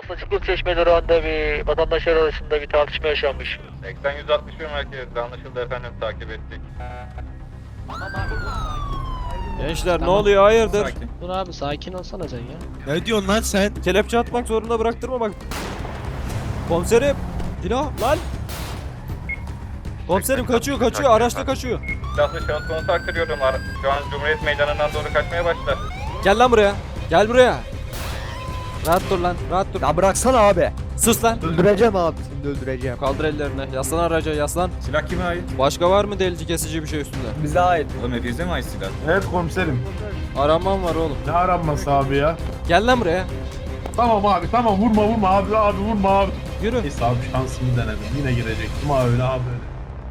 Basacıklı Çeşme durağında bir vatandaşlar arasında bir tartışma yaşanmış. 80-161 merkezde anlaşıldı efendim, takip ettik. Gençler ne oluyor hayırdır? Sakin. Dur abi sakin olsana sen ya. Ne diyorsun lan sen? Kelepçe atmak zorunda bıraktırma bak. Komiserim. Dino lan. Komiserim kaçıyor araçta kaçıyor. Silahlı şahıs konusu aktarıyorum. Şu an Cumhuriyet Meydanı'ndan doğru kaçmaya başladı. Gel lan buraya. Gel buraya. Rahat dur lan rahat dur. Ya bıraksana abi. Sus lan. Öldüreceğim abi seni de öldüreceğim. Kaldır ellerini. Yaslan araca yaslan. Silah kime ait? Başka var mı delici kesici bir şey üstünde? Bize ait. Oğlum hepinize mi ait silah? Evet komiserim. Aramam var oğlum. Ne aranması abi ya? Gel lan buraya. Tamam abi tamam, vurma abi vurma abi. Yürü. Neyse abi, şansımı denedim. Yine girecektim abi öyle.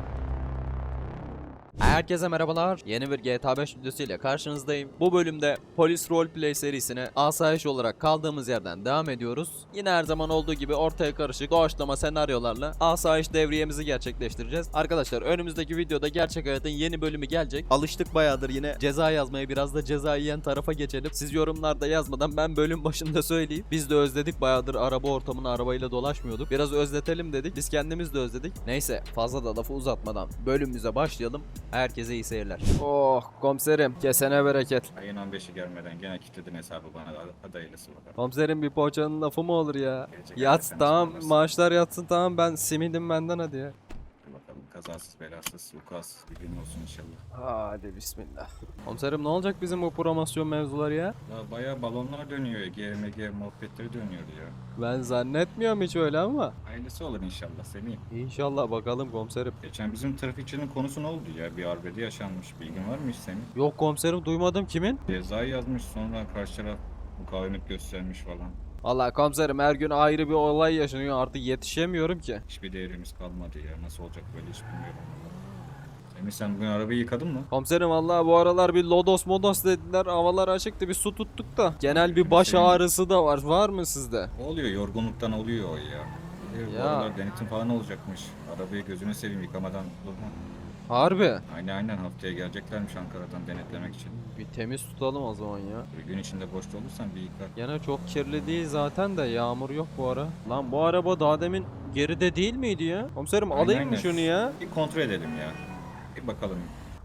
Herkese merhabalar. Yeni bir GTA 5 videosuyla karşınızdayım. Bu bölümde Polis Roleplay serisine asayiş olarak kaldığımız yerden devam ediyoruz. Yine her zaman olduğu gibi ortaya karışık doğaçlama senaryolarla asayiş devriyemizi gerçekleştireceğiz. Arkadaşlar önümüzdeki videoda gerçek hayatın yeni bölümü gelecek. Alıştık bayağıdır yine ceza yazmaya, biraz da ceza yiyen tarafa geçelim. Siz yorumlarda yazmadan ben bölüm başında söyleyeyim. Biz de özledik, bayağıdır araba ortamını arabayla dolaşmıyorduk. Biraz özletelim dedik. Biz kendimiz de özledik. Neyse fazla da lafı uzatmadan bölümümüze başlayalım. Herkese iyi seyirler. Oh komiserim kesene bereket. Ayın 15'i gelmeden gene kilitledin hesabı bana. Hadi hayırlısı bakalım. Komiserim bir poğaçanın lafı mı olur ya? Gelecek Yat ayda tamam, sen maaşlar yatsın tamam, ben simidim benden hadi ya. Hadi bakalım, kazasız belasız vukuatsız bir gün olsun inşallah. Hadi bismillah. Komiserim ne olacak bizim bu promosyon mevzuları ya? Ya bayağı balonlar dönüyor. GMG muhabbetleri dönüyor ya. Ben zannetmiyorum hiç öyle ama. Hayırlısı olur inşallah Semih. İnşallah bakalım komiserim. Geçen bizim trafikçinin konusu ne oldu ya? Bir arbede yaşanmış. Bilgin var mı hiç Semih? Yok komiserim duymadım, kimin? Cezayı yazmış, sonra karşı taraf mukavemet göstermiş falan. Vallahi komiserim her gün ayrı bir olay yaşanıyor, artık yetişemiyorum ki. Hiçbir değerimiz kalmadı ya. Nasıl olacak böyle hiç bilmiyorum. Semih sen bugün arabayı yıkadın mı? Komiserim vallahi bu aralar bir lodos modos dediler, havalar açıktı, bir su tuttuk da. Genel bir baş ağrısı da var mı sizde? Oluyor, yorgunluktan oluyor o ya. Bir de bu Ya. aralar denetim falan olacakmış. Arabayı gözünü seveyim, yıkamadan durma. Harbi. Aynen haftaya geleceklermiş Ankara'dan denetlemek için. Bir temiz tutalım o zaman ya. Bir gün içinde boşta olursan bir yıka. Gene çok kirli değil zaten de, yağmur yok bu ara. Lan bu araba daha demin geride değil miydi ya? Komiserim alayım mı Aynen. şunu ya? Bir kontrol edelim ya. Bir bakalım.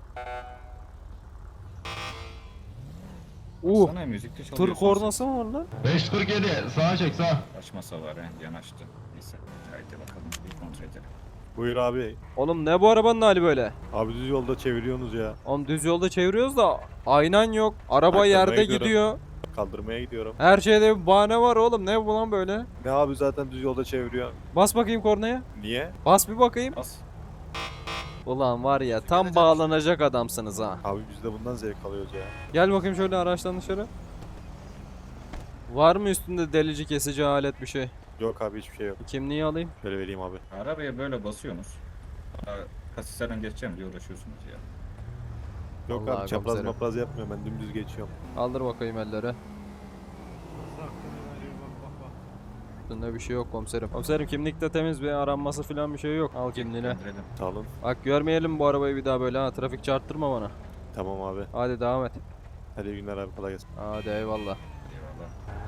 Sana müzikte çalıyor. Tır kornası mı var lan? 547 sağa çek sağa. Açmasa var he, yanaştı. Neyse. Haydi bakalım bir kontrol edelim. Buyur abi. Oğlum ne bu arabanın hali böyle? Abi düz yolda çeviriyorsunuz ya. Oğlum düz yolda çeviriyoruz da aynan yok. Araba Arkamdan yerde gidiyorum. gidiyor. Kaldırmaya gidiyorum. Her şeyde bir bahane var oğlum. Ne bu lan böyle? Ne abi zaten düz yolda çeviriyor. Bas bakayım kornaya. Niye? Bas bir bakayım. Bas. Ulan var ya tam bağlanacak adamsınız ha. Abi biz de bundan zevk alıyoruz ya. Gel bakayım şöyle araçtan dışarı. Var mı üstünde delici kesici alet bir şey? Yok abi hiçbir şey yok. Kimliği alayım. Şöyle vereyim abi. Arabaya böyle basıyorsunuz. Kasislerden geçeceğim diye uğraşıyorsunuz ya. Yok Vallahi abi çapraz komiserim. mapraz yapmıyorum, ben dümdüz geçiyorum. Kaldır bakayım elleri. Üstünde bir şey yok komiserim. Komiserim kimlikte temiz, bir aranması falan bir şey yok. Al kimliğini. Gönderelim. Sağ olun. Bak görmeyelim bu arabayı bir daha böyle ha. Trafik çarptırma bana. Tamam abi. Hadi devam et. Hadi iyi günler abi, kolay gelsin. Hadi eyvallah. Eyvallah.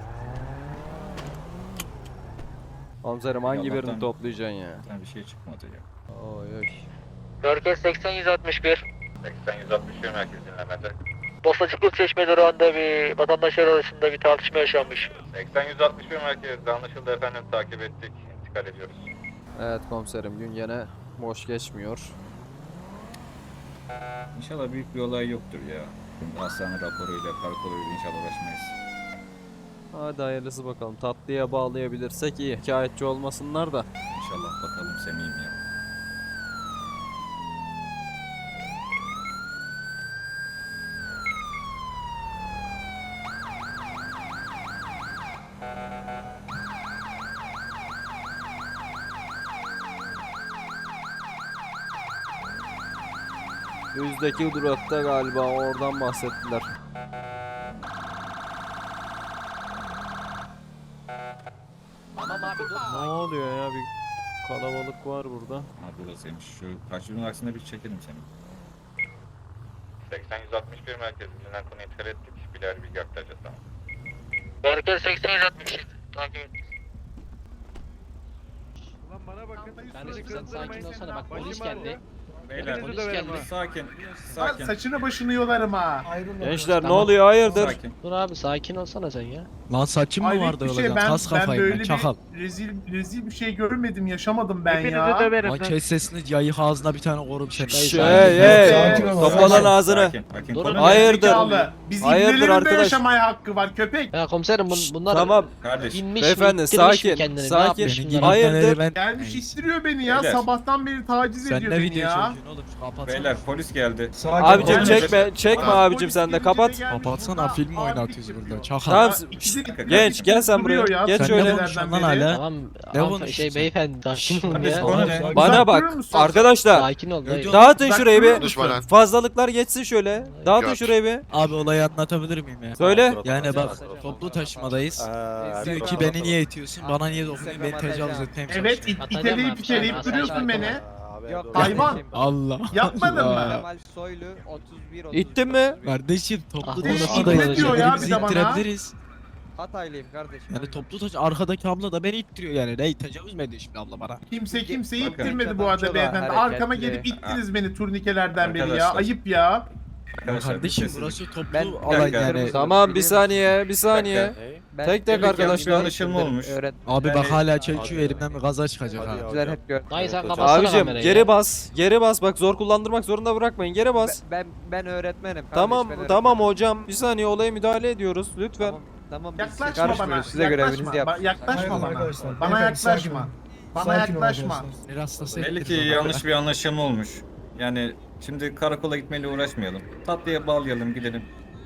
Komiserim hangi Allah'tan- birini toplayacaksın ya? Zaten bir şey çıkmadı ya. Oy oy. Merkez 80-161. 80-161 merkez dinlemede. Basacıklı Çeşme durağında bir vatandaşlar arasında bir tartışma yaşanmış. 80-161 merkezde anlaşıldı efendim, takip ettik. İntikal ediyoruz. Evet komiserim, gün gene boş geçmiyor. İnşallah büyük bir olay yoktur ya. Hastane raporuyla, karakoluyla inşallah uğraşmayız. Hadi hayırlısı bakalım. Tatlıya bağlayabilirsek iyi. Şikayetçi olmasınlar da. İnşallah bakalım Semih'im ya. Yüzdeki durakta galiba, oradan bahsettiler. Ne oluyor ya, bir kalabalık var burada. Ha burasıymış. Şu karşının aksine bir çekelim seni. 80-161 merkez dinlenen konuyu intikal ettik. Birer bilgi aktaracağız sana. Merkez 80-161. Takip et. Kardeşim sen sakin olsana bak polis geldi. Beyler Polis geldi. sakin. Lan Sakin. saçını başını yolarım ha. Gençler ne Tamam. oluyor hayırdır? Sakin. Dur abi sakin olsana sen ya. Lan saçım mı Hayret vardı bir öyle? şey, Kas ben kafayım böyle ben çakal. bir rezil bir şey görmedim, yaşamadım ben ya. Lan kes sesini yayık ağzına bir tane korum seni. Hey topla lan ağzını. Sakin. Dur. Konuş. Hayırdır? Zekalı. Biz Hayırdır ibnelerin de arkadaş? yaşamaya hakkı var köpek. Ya komiserim bunlar Tamam Kardeş. inmiş beyefendi, mi, ittirmiş mi sakin, kendini, ne sakin. yapmış Beni bunlar? Hayırdır? ben... Gelmiş istiriyor beni ya. Beyler. Sabahtan beri taciz Sen ediyor ne beni video ya. çekiyorsun oğlum? Kapatsana. Beyler polis geldi. Abicim Ol. çekme Bana abicim polis sen de gelince kapat. de gelmiş Kapatsana burada film abi oynatıyoruz yapıyor. burada. Çakal. Tamam İkide- genç gel sen buraya. Duruyor ya. Geç Sen şöyle. ne konuşuyorsun lan hala? Tamam Ne abi, konuşuyorsun? beyefendi sakin olun Kardeş ya. konu ne? Bana Uzak bak durur musun? arkadaşlar. Sakin ol dayı. Ödüyor- Dağıtın Uzak şurayı durur bir. musun? Fazlalıklar geçsin şöyle. Dağıtın şurayı bir. Abi olayı anlatabilir miyim ya? Söyle. Yani bak toplu taşımadayız. Diyor ki beni niye itiyorsun? Bana niye dokunuyorsun? Beni tecavüz etmeye mi Evet çalışıyorsun? iteleyip iteleyip duruyorsun beni. Yok. Hayvan. Allah. Yapmadın mı? Kemal Soylu 31 İttin mi? Kardeşim toplu Ah, taşımadayız. ne diyor ya Birbirimizi bir de bana? ittirebiliriz. Hataylıyım kardeşim. Yani toplu taşı arkadaki abla da beni ittiriyor yani. Ne tecavüz mü ediyor şimdi abla bana? Kimse kimseyi Bakın. ittirmedi bu arada beyefendi. Arkama gelip ittiniz beni turnikelerden beri ya. Arkadaşlar. Ayıp ya. Arkadaşlar, Kardeşim sessizlik. burası toplu Ben- alan dakika. yani. Tamam bir saniye bir saniye. Ben Tek tek Birlik yanlış bir arkadaşlar. anlaşılma olmuş. Abi Yani- bak hala çekiyor elimden bir gaza çıkacak ha. Öğretmenler hep gör. Dayı sen Evet, kapatsana Abicim kamerayı geri ya. bas. Geri bas bak zor kullandırmak zorunda bırakmayın. Geri bas. Ben öğretmenim. kardeş, Tamam ben tamam öğretmenim. hocam. Bir saniye olaya müdahale ediyoruz lütfen. Tamam, tamam biz Yaklaşma bana. karışmıyoruz. Size görevinizi Yaklaşma. yapın. Yaklaşma bana. arkadaşlar, Bana beyefendi, sakin yaklaşma. olun. Bana Sakin ol yaklaşma. arkadaşlar. Bir hastası Belli ettirdi ki bana. yanlış bir anlaşılma olmuş. Yani şimdi karakola gitmeyle uğraşmayalım. Tatlıya bağlayalım gidelim.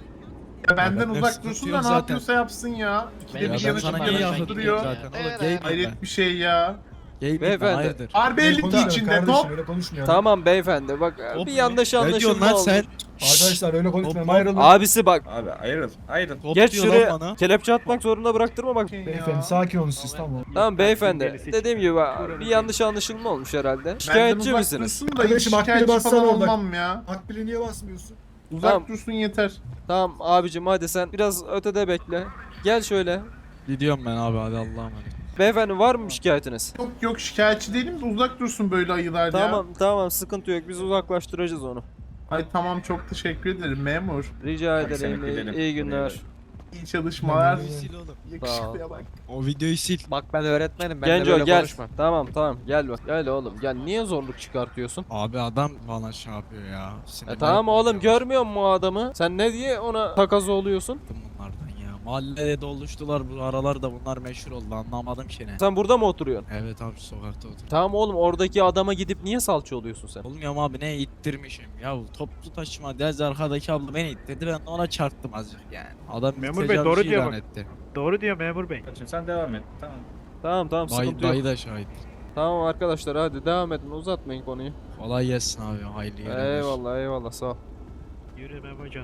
Ya benden benden uzak sıkıntı dursun yok da ne zaten. yapıyorsa yapsın ya. İkide Ya bir ben yanlış sana yanlış niye yanlış yakın duruyor. zaten oğlum gay miyim ben? Hayret bir şey ya. Gay miyim ben Beyefendi. hayırdır? Harbi Öyle 52 konuşmayalım içinde kardeşim, top. öyle konuşmayalım. Tamam beyefendi bak Top bir mu? yanlış Ne diyorsun anlaşılma lan oldu. sen? Arkadaşlar öyle konuşmayalım, Hop, hop. ayrılın. Abisi bak. Abi ayrıl. Top Geç diyor lan şuraya bana. kelepçe atmak zorunda bıraktırma bak. Beyefendi sakin olun siz, tamam. Tamam beyefendi. Dediğim gibi bir yanlış anlaşılma olmuş herhalde. Benden Şikayetçi uzak misiniz? dursun da hiç Kardeşim, akbili şikayetçi bassana falan orada. olmam ya. Akbili niye basmıyorsun? Uzak Tamam. dursun yeter. Tamam abicim hadi sen biraz ötede bekle. Gel şöyle. Gidiyorum ben abi hadi Allah'a emanet. Beyefendi var mı şikayetiniz? Yok şikayetçi değilim de uzak dursun böyle ayılar ya. Tamam sıkıntı yok biz uzaklaştıracağız onu. Ay tamam, çok teşekkür ederim memur. Rica Hadi ederim seni gidelim. iyi günler. İyi çalışmalar. Sil oğlum. Yakışıklıya bak. O videoyu sil. Bak ben öğretmenim. Ben de Genco böyle gel. konuşmam. Tamam gel bak. Gel oğlum gel. Niye zorluk çıkartıyorsun? Abi adam bana şey yapıyor ya. Tamam oğlum görmüyor musun o adamı? Sen ne diye ona takas oluyorsun? Bunlardan ya. Mahallede doluştular bu aralarda, bunlar meşhur oldu, anlamadım ki ne. Sen burada mı oturuyorsun? Evet abi sokakta otur. Tamam oğlum oradaki adama gidip niye salça oluyorsun sen? Olmuyor abi ne ittirmişim ya, toplu taşıma dez arkadaki abla beni ittirdi, ben de ona çarptım azıcık yani. Adam Memur Bey, doğru diyor bak. etti. Doğru diyor memur bey. Kaçın sen devam et. Tamam. Tamam sıkıntı yok. Dayı da şahit. Tamam arkadaşlar hadi devam edin uzatmayın konuyu. Kolay gelsin abi, hayırlı görevler. Eyvallah sağ ol. Yürü Memocan.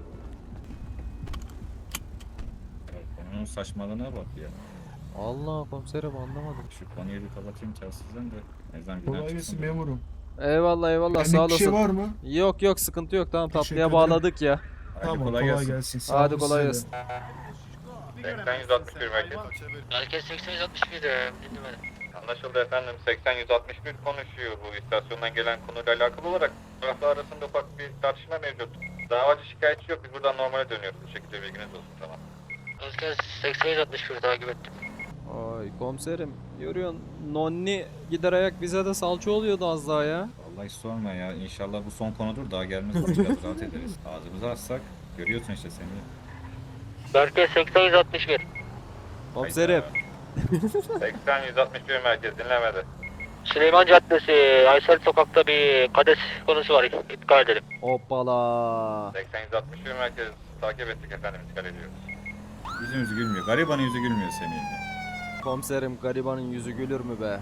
Konunun saçmalığına bak ya. Allah komiserim anlamadım. Şu konuyu bir kapatayım telsizden de. Ezan Kolay günler gelsin çıksın. memurum. Eyvallah Benlik sağ bir şey olasın. var mı? Yok sıkıntı yok tamam Teşekkür tatlıya ederim. bağladık ya. Hadi Tamam kolay gelsin. Sağ Hadi olun kolay size de. gelsin. 80-161 merkez. Merkez 8061 dinlemedim. Anlaşıldı efendim. 80-161 konuşuyor. Bu istasyondan gelen konuyla alakalı olarak taraflar arasında ufak bir tartışma mevcut. Davacı şikayetçi yok. Biz buradan normale dönüyoruz. Bu şekilde bilginiz olsun, tamam. Merkez 8061 takip ettim. Ay komiserim görüyorsun Nonni gider ayak bize de salça oluyordu az daha ya. Vallahi hiç sorma ya. İnşallah bu son konudur. Daha gelmez. Biraz rahat ederiz. Ağzımızı açsak görüyorsun işte seni. Merkez 8061. Komiserim 80-161 merkez dinlemedi. Süleyman Caddesi, Aysel Sokak'ta bir kades konusu var. İddia edelim. hoppala. 80-161 merkez takip ettik efendim. İntikal ediyoruz. Yüzümüz gülmüyor. Garibanın yüzü gülmüyor Semih'in. Komiserim garibanın yüzü gülür mü be?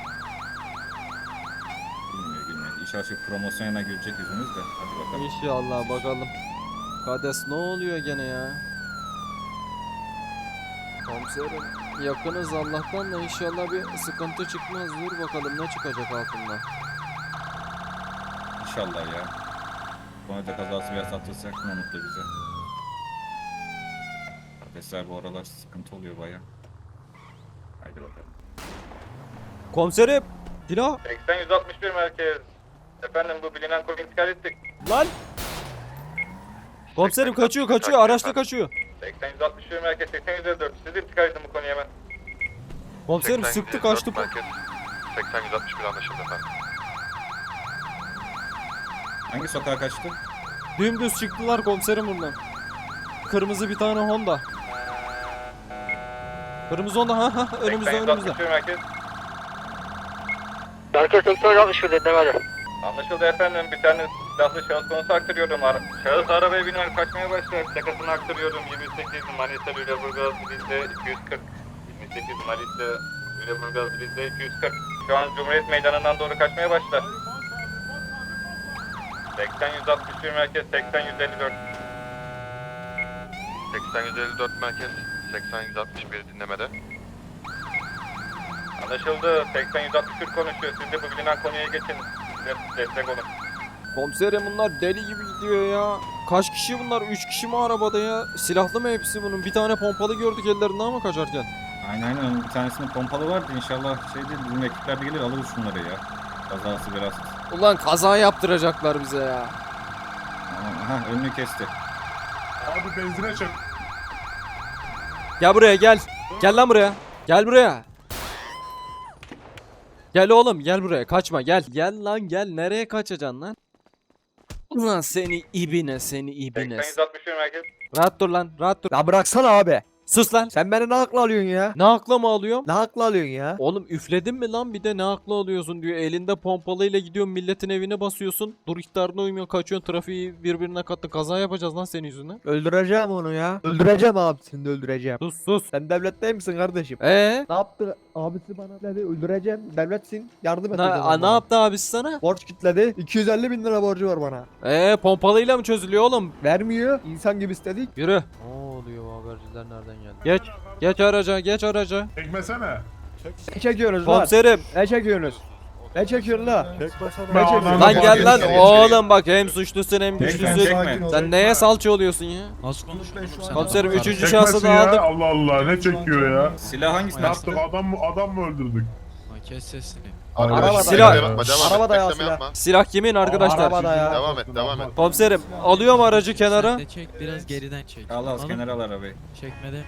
Gülmüyor. İş açık promosyona gülecek yüzümüz de. Hadi bakalım. İnşallah bakalım. Kades ne oluyor gene ya? Komiserim yakınız Allah'tan da inşallah bir sıkıntı çıkmaz. Dur bakalım ne çıkacak altından. İnşallah ya. Bu konuda kazası veya satılsak ne mutlu bize. Kardeşler bu aralar sıkıntı oluyor baya. Haydi bakalım. Komiserim Silah. 80-161 merkez. Efendim bu bilinen konu intikal ettik. Lan. Komiserim kaçıyor araçta kaçıyor. 80-161 merkez 80-154. Siz intikal edin bu konuya hemen. Komiserim sıktı kaçtı. 80-161 anlaşıldı efendim. Hangi sokağa kaçtı? Dümdüz çıktılar komiserim buradan. Kırmızı bir tane Honda. Kırmızı Honda ha önümüzde. 80-161 merkez. Merkez 8061 dinlemede. Anlaşıldı efendim. Bir tane silahlı şahıs konusu aktarıyorum. Şahıs arabaya biner kaçmaya başlar. Plakasını aktarıyorum. 28 Manisa Lüleburgaz Rize 240. 28 Manisa Lüleburgaz Rize 240. Şu an Cumhuriyet Meydanı'ndan doğru kaçmaya başlar. 80-161 merkez 80-154. 80-154 merkez 80-161 dinlemede. Anlaşıldı. 80-161 konuşuyor. Siz de bu bilinen konuya geçin. Destek olun. Komiserim bunlar deli gibi gidiyor ya. Kaç kişi bunlar? 3 kişi mi arabada ya? Silahlı mı hepsi bunun? Bir tane pompalı gördük ellerinde ama kaçarken. Aynen bir tanesinin pompalı vardı. İnşallah şey değil. Bizim ekipler de gelir alırız şunları ya. Kazası biraz. Ulan kaza yaptıracaklar bize ya. Aha önünü kesti. Abi benzine çek. Gel buraya gel. Gel lan buraya. Gel buraya. Gel oğlum gel buraya kaçma gel. Gel lan gel nereye kaçacaksın lan? Ulan seni ibine. 80-161 merkez. Rahat dur lan rahat dur. Ya bıraksana abi. Sus lan. Sen beni ne hakla alıyorsun ya? Ne akla mı alıyorum? Ne hakla alıyorsun ya? Oğlum üfledin mi lan bir de ne akla alıyorsun diyor. Elinde pompalıyla gidiyorsun milletin evine basıyorsun. Dur ihtarına uymuyor kaçıyorsun trafiği birbirine kattı. Kaza yapacağız lan senin yüzünden. Öldüreceğim onu ya. Öldüreceğim abisini de öldüreceğim. Sus. Sen devlet değil misin kardeşim? Ne yaptı? Abisi bana dedi öldüreceğim. Devletsin. Yardım edeceğim. ne yaptı abisi sana? Borç kitledi. 250 bin lira borcu var bana. Pompalıyla mı çözülüyor oğlum? Vermiyor. İnsan gibi istedik. Yürü. Ne oluyor bu haberciler nereden geldi? Geç araca. Çekmesene. Ne çekiyorsunuz lan? Komiserim. Ne çekiyorsunuz? Ne çekiyorsun lan? Çek başına. Ben çekeyim. ananı Lan gel lan Geç. oğlum bak hem suçlusun hem Çekme, güçlüsün. çekme. Sen neye salça oluyorsun ya? Nasıl konuşuyorsun sen? Komiserim Adam- 3. şahsı Çekmesin da ya. aldık. Allah Allah ne çekiyor ya? Silah hangisini Ne yaptık adam mı öldürdük? Lan kes sesini. Arabada Silah- ya. Arabada ya silah. Silah kimin arkadaşlar? Arabada ya. Devam et. Komiserim alıyorum aracı Sen kenara. de çek biraz geriden çek. Al Anladın mı? kenara al arabayı. Çekmede.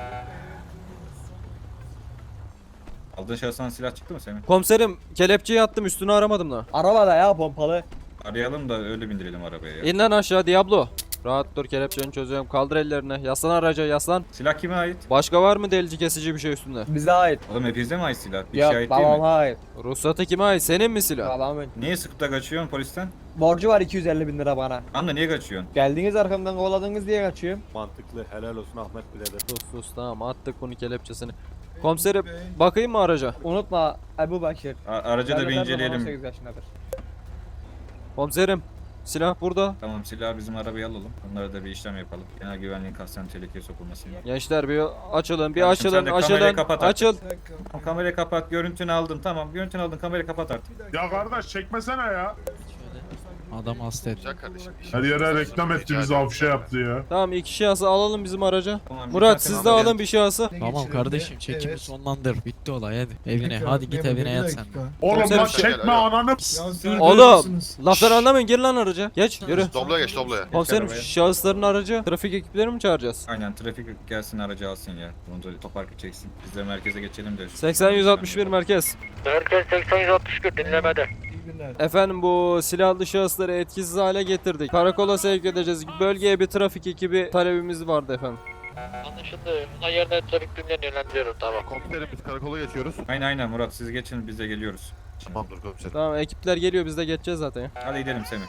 Aldığın şahıstan silah çıktı mı senin? Komiserim kelepçeyi attım üstünü aramadım da. Arabada ya pompalı. Arayalım da öyle bindirelim arabaya ya. İn lan aşağı Diablo. Rahat dur kelepçeni çözüyorum. Kaldır ellerini. Yaslan araca yaslan. Silah kime ait? Başka var mı delici kesici bir şey üstünde? Bize ait. Oğlum hepinize mi ait silah? Bir Yok şey ait değil babama mi? ait. Ruhsatı kime ait? Senin mi silah? Babamın. Niye sıkıp da kaçıyorsun polisten? Borcu var 250 bin lira bana. Anla niye kaçıyorsun? Geldiniz arkamdan kovaladınız diye kaçıyorum. Mantıklı. Helal olsun Ahmet birader. Sus tamam attık bunu kelepçesini. Komiserim bakayım mı araca? Unutma Ebu Bakır. Aracı da bir Devlet Erdoğan inceleyelim. 18 yaşındadır. Komiserim silah burada. Tamam silahı bizim arabaya alalım. Onlara da bir işlem yapalım. Genel güvenliğin kasten tehlikeye sokulmasın. Gençler bir açılın bir Kardeşim, sen de kamerayı açılın. kapat artık. Açıl. Tamam, kamerayı kapat. Görüntünü aldın. Tamam görüntünü aldın. Kamerayı kapat artık. Ya kardeş çekmesene ya. Adam hasta etti. Her yere reklam etti bizi afişe yaptı ya. Tamam 2 şahsı alalım bizim araca. Tamam, Murat bir siz de tane alın bir şahsı. Tamam kardeşim çekimi sonlandır. Bitti olay hadi. Evine hadi git evine yat sen. Oğlum Komiserim, lan çekme ananı. Oğlum lafları anlamayın gir lan araca. Geç yürü. Dobloya geç dobloya. Komiserim arabaya. şahısların aracı trafik ekipleri mi çağıracağız? Aynen trafik gelsin aracı alsın ya. Bunu da toparkı çeksin. Biz de merkeze geçelim de. 80-161 merkez. Merkez 80-161 dinlemede. Efendim bu silahlı şahısları etkisiz hale getirdik. Karakola sevk edeceğiz. Bölgeye bir trafik ekibi talebimiz vardı efendim. Anlaşıldı. Buna yerine trafik birimlerini yönlendiriyorum tamam. Komiserim biz karakola geçiyoruz. Aynen Murat siz geçin biz de geliyoruz. Tamamdır komiserim. Tamam ekipler geliyor biz de geçeceğiz zaten ya. Hadi gidelim Semih.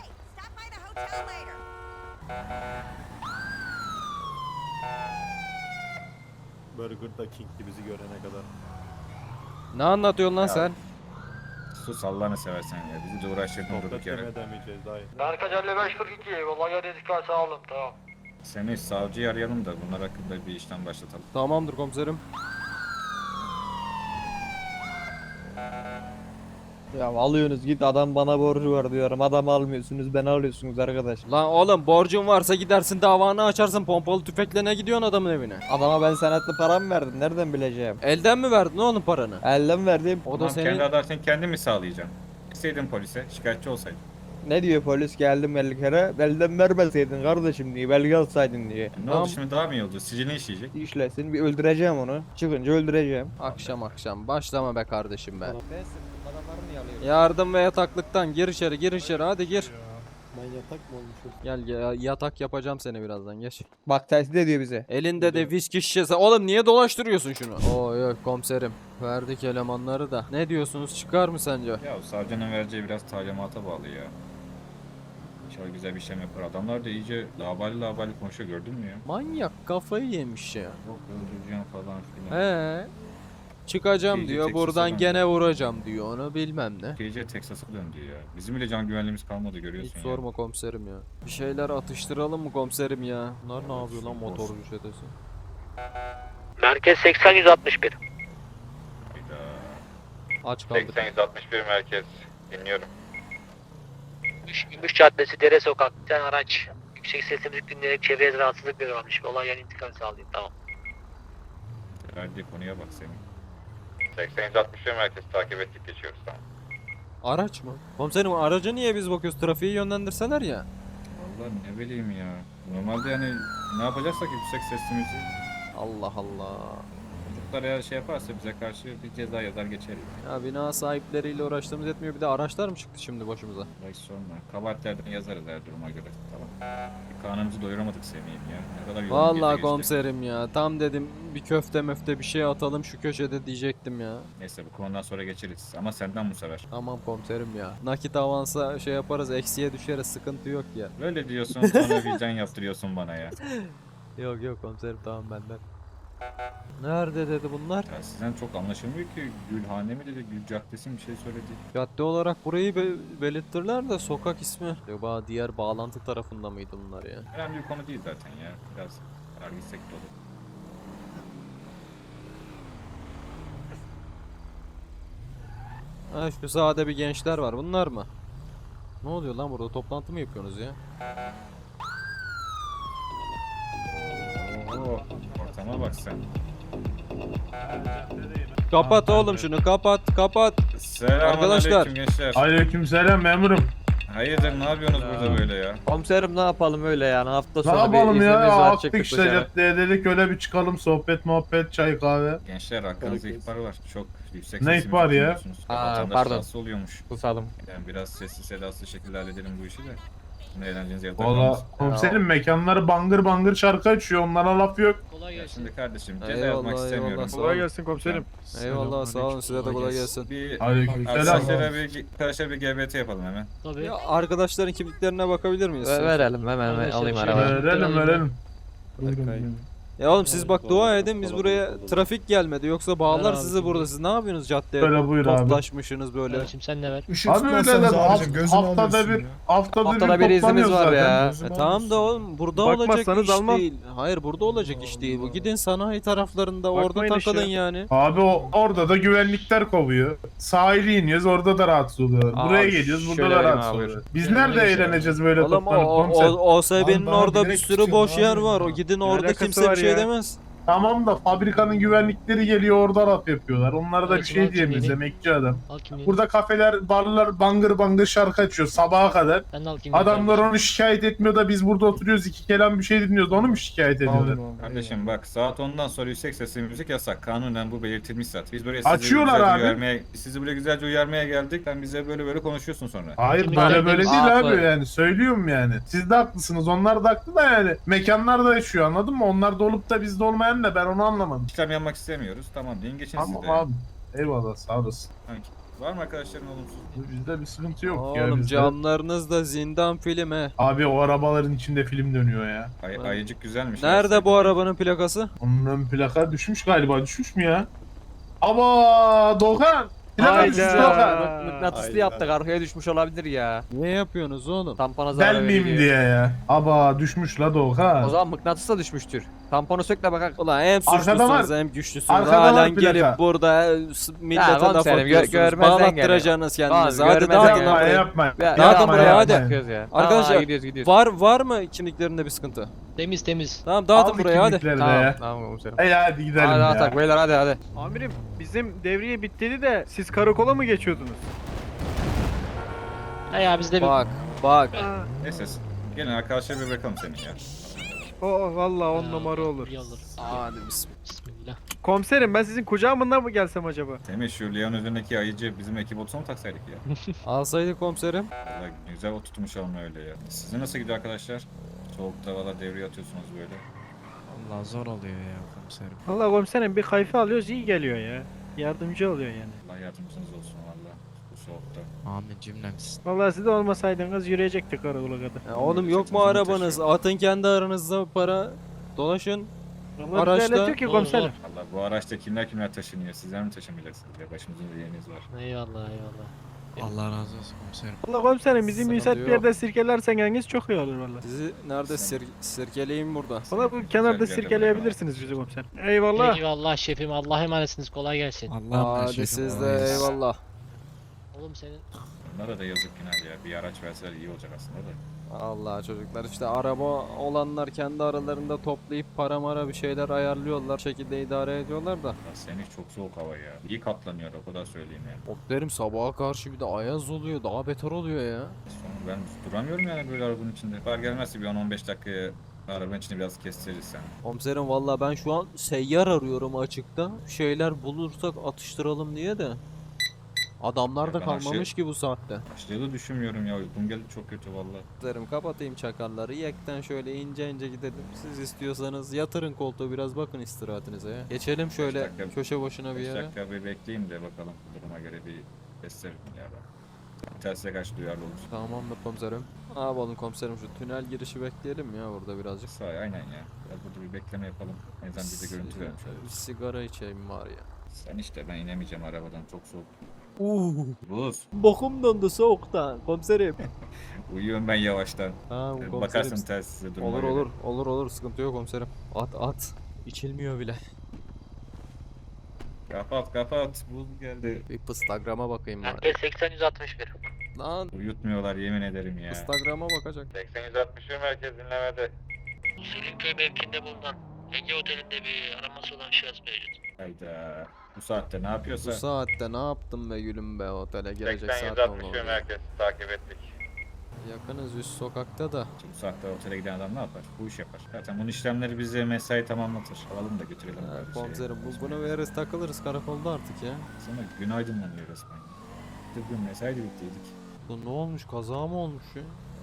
Burger'da King'di bizi görene kadar. Ne anlatıyorsun lan sen? Sus Allah'ını seversen ya. Bizi de uğraştırdın durduk Sohbet yere. edemeyeceğiz dayı. Merkez 5542. Olay yerine dikkat sağolun tamam. Semih savcıyı arayalım da bunlar hakkında bir işlem başlatalım. Tamamdır komiserim. Ya alıyorsunuz git adam bana borcu var diyorum. Adam almıyorsunuz beni alıyorsunuz arkadaş. Lan oğlum borcun varsa gidersin davanı açarsın, pompalı tüfekle ne gidiyorsun adamın evine? Adama ben senetli param verdim nereden bileceğim? Elden mi verdin oğlum paranı? Elden verdim. O da Tamam, senin... kendi adaletini kendi mi sağlayacaksın? Gitseydin polise, şikayetçi olsaydın. Ne diyor polis geldim 50 kere. Elden vermeseydin kardeşim diye belge alsaydın diye. Ne Tamam. oldu şimdi, daha mı iyi oldu? Sicilini işleyecek. İşlesin bir öldüreceğim onu. Çıkınca öldüreceğim. Akşam başlama be kardeşim be. Yardım ve yataklıktan gir içeri hadi gir. Ben yatak mı olmuşum? Gel yatak yapacağım seni birazdan geç. Bak tehdit ediyor bize. Elinde de viski şişesi. Oğlum niye dolaştırıyorsun şunu? Yok komiserim. Verdik elemanları da. Ne diyorsunuz, çıkar mı sence? Ya savcının vereceği biraz talimata bağlı ya. İnşallah güzel bir şey yapar. Adamlar da iyice labali konuşuyor, gördün mü ya? Manyak kafayı yemiş ya. Yok öldüreceğim falan filan. He. Çıkacağım İyice diyor, Texas'a buradan döndü. gene vuracağım diyor, onu bilmem ne. Gece Texas'a döndü ya. Bizim bile can güvenliğimiz kalmadı, görüyorsun Hiç ya. sorma komiserim ya. Bir şeyler atıştıralım mı komiserim ya? Bunlar ne yapıyor lan motorcu çetesi? Merkez 80-161. Hayda. Aç kaldık. 861 merkez. Dinliyorum. Gümüş Caddesi, Dere Sokak. Bir tane araç. Yüksek sesli müzik dinleyerek çevreye rahatsızlık veriyormuş. Olay yerine intikal sağlayayım. Tamam. Verdiği konuya bak senin. 861 merkez takip ettik, geçiyoruz, tamam. Araç mı? Komiserim araca niye biz bakıyoruz? Trafiği yönlendirseler ya. Vallahi ne bileyim ya. Normalde yani ne yapacaksak yüksek sesli müzik. Allah Allah. Çocuklar eğer şey yaparsa bize karşı bir ceza yazar geçeriz. Ya bina sahipleriyle uğraştığımız yetmiyor, bir de araçlar mı çıktı şimdi başımıza? Belki sorma. Kabahatlerden yazarız her duruma göre. Tamam. Bir karnımızı doyuramadık Semih'im ya. Ne kadar yolun Vallahi geçti. komiserim ya, tam dedim bir köfte möfte bir şey atalım şu köşede diyecektim ya. Neyse bu konudan sonra geçeriz. Ama senden bu sefer. Tamam komiserim ya. Nakit avansa şey yaparız, eksiye düşeriz, sıkıntı yok ya. Böyle diyorsun sonra vicdan yaptırıyorsun bana ya. Yok komiserim, tamam benden. Nerede dedi bunlar? Ya sizden çok anlaşılmıyor ki. Gülhane mi dedi, Gül Caddesi mi bir şey söyledi. Cadde olarak burayı belirttiler de sokak ismi. Acaba diğer bağlantı tarafında mıydı bunlar ya? Önemli bir konu değil zaten ya. Biraz gitsek de olur. Ha şu sahada bir gençler var, bunlar mı? Ne oluyor lan burada, toplantı mı yapıyorsunuz ya? Oo, ortama bak sen. Kapat oğlum şunu, kapat. Selamünaleyküm Arkadaşlar. gençler. Aleykümselam memurum. Hayırdır, ne yapıyorsunuz burada böyle ya? Komiserim ne yapalım öyle yani hafta Ne sonu yapalım bir ya? iznimiz var Attık çıktık işte dışarı. caddeye dedik öyle bir çıkalım sohbet muhabbet çay kahve. Gençler hakkınızda ihbar var. Çok yüksek Ne sesli ihbarı müzik ya? dinliyorsunuz. Aa, Vatandaş pardon. rahatsız oluyormuş. Susalım. Yani biraz sessiz sedasız şekilde halledelim bu işi de. Şimdi eğlenceniz yarıda Valla kalmasın. komiserim mekanları bangır bangır şarkı açıyor onlara laf yok. Kolay Ya gelsin. şimdi kardeşim ceza Eyvallah, yazmak eyvallah, istemiyorum. sağ olun. gelsin komiserim. Eyvallah sağ olun, size de kolay gelsin. Bir Aleykümselam. arkadaşlar bir GBT yapalım hemen. Tabii. Ya arkadaşların kimliklerine bakabilir miyiz? Verelim hemen Arkadaşlar, alayım şöyle- arabayı. Verelim. Ya oğlum siz bak dua edin, biz buraya trafik gelmedi, yoksa bağlar abi, sizi şimdi. burada. Siz ne yapıyorsunuz caddeye Böyle buyur abi. toplaşmışsınız böyle? Kardeşim sen ne ver? Işık Abi öyle tutmazsanız de abicim gözünü haftada alıyorsun bir ya. Haftada bir iznimiz var ya. Tamam da oğlum burada olacak iş değil. Hayır burada olacak iş değil bu. Gidin sanayi taraflarında orada takılın yani. Abi orada da güvenlikler kovuyor. Sahile iniyoruz orada da rahatsız oluyor. Buraya Abi, geliyoruz burada şöyle da vereyim rahatsız abi. oluyor. Biz Yani nerede öyle şey eğleneceğiz böyle Oğlum toplanıp komiser? OSB'nin Abi bana orada bir direkt sürü tutuyorsun boş abi yer ya. var. O gidin orada alakası kimse bir var şey ya? demez. Tamam da fabrikanın güvenlikleri geliyor orada laf yapıyorlar. Onlara da bir Kardeşim, şey al diyemeyiz kimliğini. emekçi adam. Al kimliğini. Burada kafeler, barlar bangır bangır şarkı açıyor sabaha kadar. Sen de al kimliğini. Adamlar onu şikayet etmiyor da biz burada oturuyoruz iki kelam bir şey dinliyoruz. Onu mu şikayet ediyorlar? Kardeşim bak saat 10'dan sonra yüksek sesli müzik yasak. Kanunen bu belirtilmiş zaten. Biz buraya Açıyorlar abi. sizi buraya güzelce uyarmaya geldik. Sen bize böyle konuşuyorsun sonra. Hayır Şimdi böyle kendimiz- böyle değil Haklı. abi yani söylüyorum yani. Siz de haklısınız onlar da haklı da yani. Mekanlar da yaşıyor anladın mı? Onlar da olup da bizde olmayan ne ben onu anlamadım. İşlem yapmak istemiyoruz. Tamam deyin geçin Tamam siz de. abi. Eyvallah sağ olasın. Var mı arkadaşların olumsuz? Bizde bir sıkıntı yok ya. Oğlum Bizde... camlarınızda zindan film he. Abi o arabaların içinde film dönüyor ya. Ayıcık güzelmiş. Nerede bu arabanın plakası? Onun ön plaka düşmüş galiba. Düşmüş mü ya? Ama Doğan! Plaka düşmüş Doğan. Mıknatıslı yaptık arkaya düşmüş olabilir ya. Ne yapıyorsunuz oğlum? Tampona zarar Delmeyeyim veriyor. diye ya. Aba düşmüş la Doğan. O zaman mıknatıs da düşmüştür. Tamponu sök de bakak. Ulan hem Arkada var. suçlusunuz hem güçlüsünüz. Arkada var Halen plaka. gelip burada millete Ya laf komiserim, atıyorsunuz. görmezden Bağlattıracaksınız kendinizi. Oğlum, Hadi görmezden dağıtın gel. lan Yapma burayı. yapma. Dağıtın buraya, hadi. Yapıyoruz ya. Arkadaşlar, Tamam, gidiyoruz. Var mı kimliklerinde bir sıkıntı? Temiz temiz. Tamam dağıtın Al buraya hadi. kimlikleri de Tamam, ya. tamam komiserim. Hadi gidelim Hadi ya. atak beyler hadi. Amirim bizim devriye bitti de siz karakola mı geçiyordunuz? Ha ya bizde bir Bak. Aa, Neyse gelin arkadaşlar bir bakalım senin ya. o valla 10 numara olur. iyi olur. Hadi bismillah. Bismillah. Komiserim ben sizin kucağımından mı gelsem acaba? Semih şu Leon üzerindeki ayıcı bizim ekip olsa mı taksaydık ya? Alsaydı komiserim. Valla güzel oturtmuş olma öyle ya. Sizin nasıl gidiyor arkadaşlar? Soğukta valla devreye atıyorsunuz böyle. Allah zor oluyor ya komiserim. Valla komiserim bir kayfa alıyoruz iyi geliyor ya. Yardımcı oluyor yani. Allah yardımcınız olsun valla bu soğukta. Amin cümlemiz. Valla siz de olmasaydınız yürüyecektik karakola kadar. Ya oğlum yok mu arabanız? Atın kendi aranızda para. Dolaşın. Valla Araçta- bize öyle diyor ki komiserim. Valla bu araçta kimler taşınıyor? Sizler mi taşımayacaksınız ya? Başımızın bir yeriniz var. Eyvallah eyvallah. Allah razı olsun komiserim. Valla komiserim bizi Sıkıntı müsait bir yok. yerde sirkelerseniz çok iyi olur valla. Sizi nerede sirkeleyeyim burada. Valla bu kenarda Güzel sirkeleyebilirsiniz bizi komiserim. Eyvallah. Eyvallah şefim Allah'a emanetsiniz kolay gelsin. Allah'ım Hadi siz de eyvallah. Oğlum senin Onlara da yazık günah ya. Bir araç verseler iyi olacak aslında da. Allah çocuklar işte araba olanlar kendi aralarında toplayıp para mara bir şeyler ayarlıyorlar. Şekilde idare ediyorlar da. Ya Semih çok soğuk hava ya. İyi katlanıyor o kadar söyleyeyim ya. Derim sabaha karşı bir de ayaz oluyor. Daha beter oluyor ya. Sonra ben duramıyorum yani böyle arabanın içinde. Var gelmezse bir 10-15 dakikaya arabanın içinde biraz kestiririz sen. Komiserim valla ben şu an seyyar arıyorum açıkta. Bir şeyler bulursak atıştıralım diye de. Adamlar da Ya ben kalmamış ki bu saatte. Başlığı düşünmüyorum ya. Uykum geldi çok kötü valla. Derim kapatayım çakalları. Yekten şöyle ince ince gidelim. Siz istiyorsanız yatırın koltuğu biraz bakın istirahatinize ya. Geçelim şöyle dakika- köşe başına bir 5 yere. dakika bir bekleyeyim de bakalım. Duruma göre bir kestiririm ya ben. Tersiye karşı duyarlı olur. Tamamdır komiserim. Ne yapalım komiserim şu tünel girişi bekleyelim ya burada birazcık. Sağ aynen ya. Biraz burada bir bekleme yapalım. En azından bize görüntü vermiş Bir oluruz. sigara içeyim var ya. Sen işte ben inemeyeceğim arabadan çok soğuk. Buz. Bokum dondu soğuktan komiserim. Uyuyorum ben yavaştan. Tamam komiserim. Bakarsın telsize duruma Olur göre. olur sıkıntı yok komiserim. At. İçilmiyor bile. Kapat. Buz geldi. Bir Instagram'a bakayım bari. Herkes 80-161. Lan Uyutmuyorlar yemin ederim ya. Instagram'a bakacak. 80-160 merkez dinlemede. Selinköy mevkinde bulunan Ege Oteli'nde bir araması olan şahıs mevcut. Hayda. Bu saatte ne Bu yapıyorsa. saatte ne yaptım be gülüm be otele gelecek saat oldu. merkez takip ettik. Yakınız üst sokakta da. Şimdi bu saatte otele giden adam ne yapar? Bu iş yapar. Zaten bunun işlemleri bize mesai tamamlatır. Alalım da götürelim. Ha, bari komiserim şeye. bunu veririz takılırız karakolda artık ya. Sonra gün aydınlanıyor resmen. Bugün mesai de bittiydik. Bu ne olmuş kaza mı olmuş ya?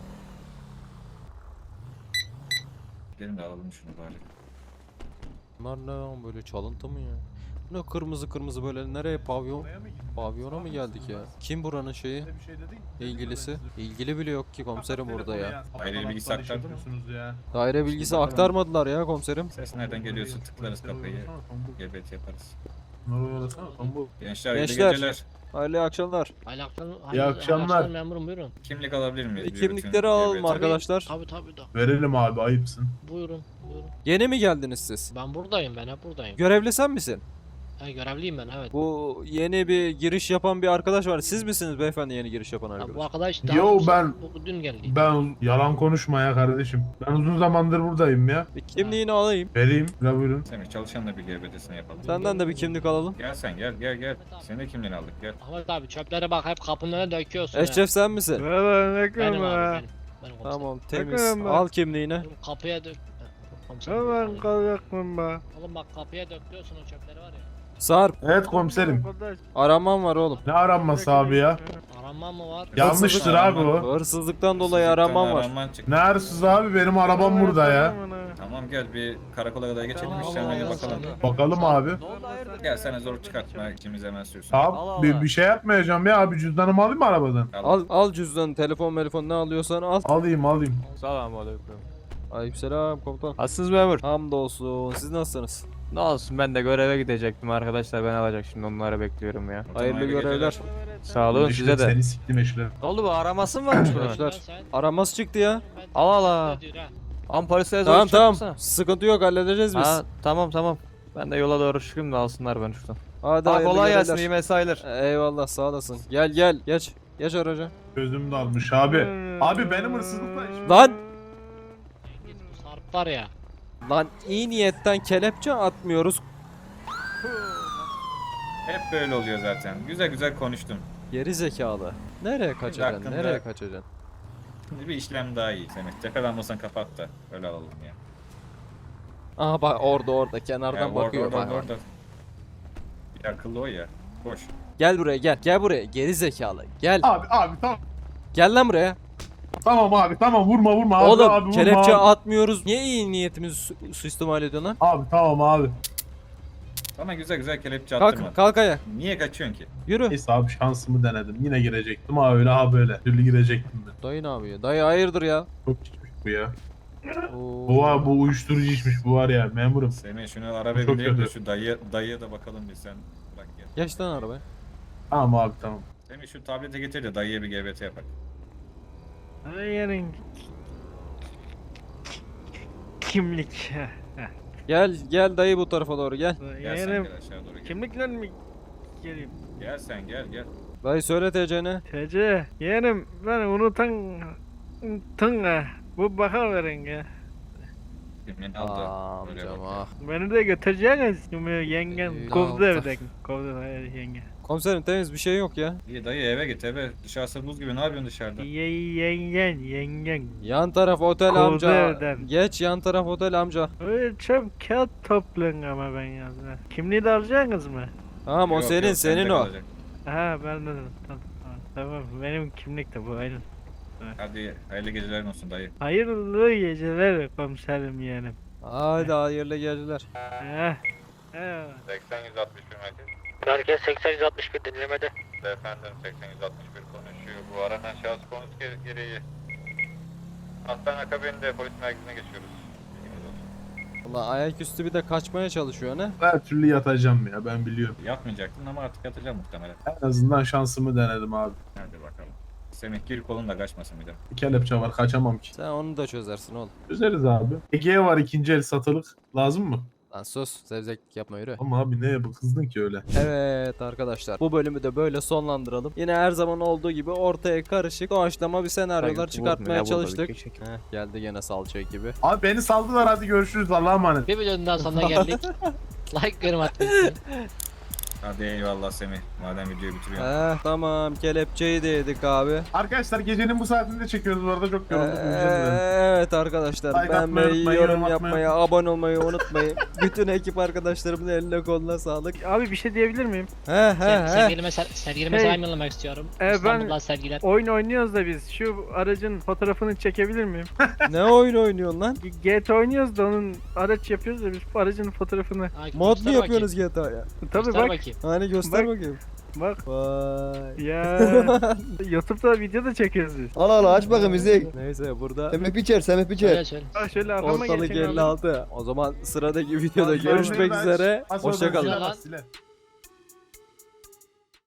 Gelin de alalım şunu bari. Bunlar ne lan böyle çalıntı mı ya? Bu ne kırmızı böyle nereye pavyona mı geldik ya? Kim buranın şeyi? Bir şey dedin. İlgilisi? İlgili bile yok ki komiserim burada ya. Aile bilgisi aktardı mı? Ya. Daire bilgisi aktarmadılar ya komiserim. Ses nereden geliyorsa tıklarız kapıyı. GBT yaparız. Bu. Gençler, Gençler. iyi geceler. Hayırlı akşamlar. hayırlı akşamlar. memurum buyurun. Kimlik alabilir miyiz? Bir Kimlikleri bütün alalım GBT? arkadaşlar. Tabi da. Verelim abi ayıpsın. Buyurun. Yeni mi geldiniz siz? Ben buradayım ben hep buradayım. Görevli sen misin? Görevliyim ben evet. Bu yeni bir giriş yapan bir arkadaş var. Siz misiniz beyefendi yeni giriş yapan Ha, bu arkadaş? arkadaş Yo, ben- dün geldi. Ben yalan konuşma ya kardeşim. Ben uzun zamandır buradayım ya. Bir kimliğini alayım. Vereyim. La buyurun. Semih çalışanla bir GBT'sini yapalım. Senden de bir kimlik alalım. Gel sen gel. Senin de kimliğini aldık gel. Ahmet abi çöplere bak hep kapının önüne döküyorsun. ha. Eşref sen misin? Valla ne Benim kadar. abi benim. Benim komiserim. Tamam temiz. Bakalım ben. Al kimliğini. Oğlum kapıya dök. Komiserim. Hemen kalacakmın be. Oğlum bak kapıya döküyorsun o çöpleri var ya. Sarp. Evet komiserim. Arkadaş, Araman var oğlum. Ne aranması abi ya? Aranma mı var? Yanlıştır abi o. Hırsızlıktan dolayı araman var. Araman çıktı. Ne hırsız abi benim arabam burada ya. Tamam gel bir karakola kadar geçelim Tamam, işlemlerine Allah bakalım. Allah. Bakalım abi. Gel sana zor çıkartma ikimiz hemen sürsün. Tamam bir şey yapmayacağım ya abi cüzdanımı alayım mı arabadan? Al cüzdanı, telefon ne alıyorsan al. Alayım. Selamünaleyküm. Aleykümselam komutan. Nasılsınız memur? Hamdolsun. Siz nasılsınız? Ne olsun ben de göreve gidecektim arkadaşlar ben alacak şimdi onları bekliyorum ya. Hayırlı görevler. Sağ olun İşte size de. Seni siktim eşler. Ne oldu bu araması mı varmış bunun? Arkadaşlar araması çıktı ya. Allah Allah. Ama polise Tamam tamam. Sıkıntı yok, halledeceğiz biz. Tamam. Ben de yola doğru çıkayım da alsınlar beni şuradan. Hadi Ha, hayırlı kolay gelsin, görevler. iyi mesailer. Eyvallah, sağ olasın. Gel geç. Geç araca. Gözüm dalmış abi. Abi benim hırsızlıkla işim. Lan! Cengiz bu Sarp var ya. Lan iyi niyetten kelepçe atmıyoruz. Hep böyle oluyor zaten. Güzel güzel konuştun. Geri zekalı. Nereye kaçacaksın? hakkında- Nereye kaçacaksın? Şimdi bir işlem daha iyi Semih. Tepelenmasan kapat da. Öyle alalım ya. Aha bak orada kenardan Ya bakıyor bak. orada. Bir akıllı o ya. Boş. Gel buraya gel. Gel buraya. Geri zekalı. Gel. Abi tamam. Gel lan buraya. Tamam abi tamam vurma abi. Oğlum abi, vurma kelepçe abi. atmıyoruz. Niye iyi niyetimizi suistimal ediyorsun lan? Abi tamam abi. Bana güzel güzel kelepçe attırma. Kalk ayağa. Niye kaçıyorsun ki? Yürü. Neyse abi şansımı denedim. Yine girecektim ha öyle ha böyle. Türlü girecektim ben. Dayı ne yapıyor? Dayı hayırdır ya? Çok içmiş bu ya. Oo. Bu uyuşturucu içmiş bu var ya memurum. Semih şunu arabaya Çok bindirelim de kötü. şu dayıya da bakalım bir sen. Bırak gel. Geç lan arabaya. Tamam abi tamam. Semih şu tablete getir de dayıya bir GBT yapak. Yerin kimlik. Gel dayı bu tarafa doğru gel. Gel sen Yerim gel aşağı doğru gel. kimlikle mi geleyim? Gel sen gel. Dayı söyle TC'ni. TC yeğenim ben unutan bu bakar verin ya. Kimliğini al da. Böyle Amcam bak. ah. Beni de götüreceksiniz şimdi yengen Ya kovdu Allah. evden. Kovdu yenge. Komiserim temiz bir şey yok ya. İyi dayı eve git eve. Dışarısı buz gibi ne yapıyorsun dışarıda? Yengen. Yan taraf otel Kovdu amca. evden. Geç yan taraf otel amca. Öyle çok kağıt toplayın ama ben yazdım. Kimliği de alacaksınız mı? Tamam o Yok, senin yok, senin sende o. kalacak. Ha ben de tamam benim kimlik de bu aynen. Hadi hayırlı gecelerin olsun dayı. Hayırlı geceler komiserim yeğenim. Hadi hayırlı geceler. Heh. Heh. 80-161 merkez. Merkez 80-161 dinlemede. Efendim 80-161 konuşuyor. Bu aranan şahıs konusu gereği. Hastane akabinde polis merkezine geçiyoruz. Bilginiz olsun. Valla ayaküstü bir de kaçmaya çalışıyor ne? Her türlü yatacağım ya ben biliyorum. Yatmayacaktın ama artık yatacağım muhtemelen. En azından şansımı denedim abi. Hadi bakalım. Semih gir kolun da kaçmasın bir de. Bir kelepçe var kaçamam ki. Sen onu da çözersin oğlum. Üzeriz abi. Ege'ye var ikinci el satılık. Lazım mı? Lan sus, zevzeklik yapma, yürü. Ama abi neye bu kızdın ki öyle? Evet arkadaşlar, bu bölümü de böyle sonlandıralım. Yine her zaman olduğu gibi ortaya karışık doğaçlama bir senaryolar çıkartmaya çalıştık. Heh, geldi gene salça gibi. Abi beni saldılar hadi görüşürüz Allah'a emanet. Bir videonun daha sonuna geldik. Like yorum atmayı. Hadi eyvallah Semih. Madem videoyu bitiriyorsun. Tamam, kelepçeyi de yedik abi. Arkadaşlar gecenin bu saatinde çekiyoruz bu arada çok yorulduk. Evet arkadaşlar, Like atmayı beğenmeyi, unutmayın, yorum yorum yapmayı, abone olmayı unutmayın. Bütün ekip arkadaşlarımın eline koluna sağlık. Abi bir şey diyebilir miyim? Sevgilime Hey. selam yollamak istiyorum. Ben- İstanbul'dan sevgiler. Oyun oynuyoruz da biz. Şu aracın fotoğrafını çekebilir miyim? Ne oyun oynuyorsun lan? GT oynuyoruz da onun araç yapıyoruz da biz bu aracın fotoğrafını. Ha, Mod mu göster yapıyorsunuz GTA'ya? Tabii Göster bak. bakayım. Hani göster Bak. bakayım. Bak. Vay. Ya YouTube'da video da çekiyoruz biz. Al aç bakalım izleyin. Neyse burada Semih biçer. Söyle söyle. Bak şöyle arkama ortalık geçin abi. 56. O zaman sıradaki videoda Hadi görüşmek bay bay. üzere. Az sonra Hoşçakalın. silah bas, silah.